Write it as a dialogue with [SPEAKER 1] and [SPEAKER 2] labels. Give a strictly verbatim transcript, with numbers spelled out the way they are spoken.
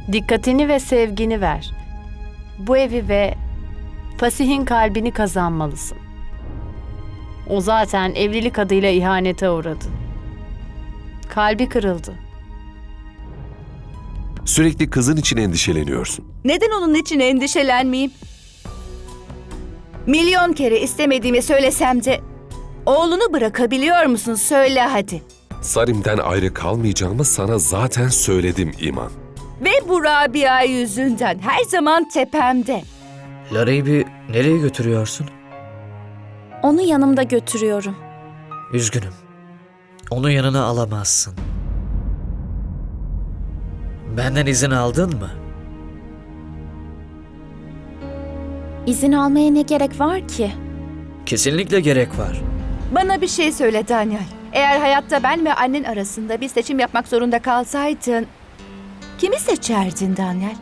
[SPEAKER 1] Dikkatini ve sevgini ver. Bu evi ve Fasih'in kalbini kazanmalısın. O zaten evlilik adıyla ihanete uğradı. Kalbi kırıldı.
[SPEAKER 2] Sürekli kızın için endişeleniyorsun.
[SPEAKER 3] Neden onun için endişelenmeyeyim? Milyon kere istemediğimi söylesem de oğlunu bırakabiliyor musun? Söyle hadi.
[SPEAKER 2] Sarim'den ayrı kalmayacağımı sana zaten söyledim İman.
[SPEAKER 3] Ve bu Rabia yüzünden her zaman tepemde.
[SPEAKER 4] Lara'yı nereye götürüyorsun?
[SPEAKER 5] Onu yanımda götürüyorum.
[SPEAKER 4] Üzgünüm. Onu yanına alamazsın. Benden izin aldın mı?
[SPEAKER 5] İzin almaya ne gerek var ki?
[SPEAKER 4] Kesinlikle gerek var.
[SPEAKER 3] Bana bir şey söyle Daniel. Eğer hayatta ben ve annen arasında bir seçim yapmak zorunda kalsaydın kimi seçerdin Daniel?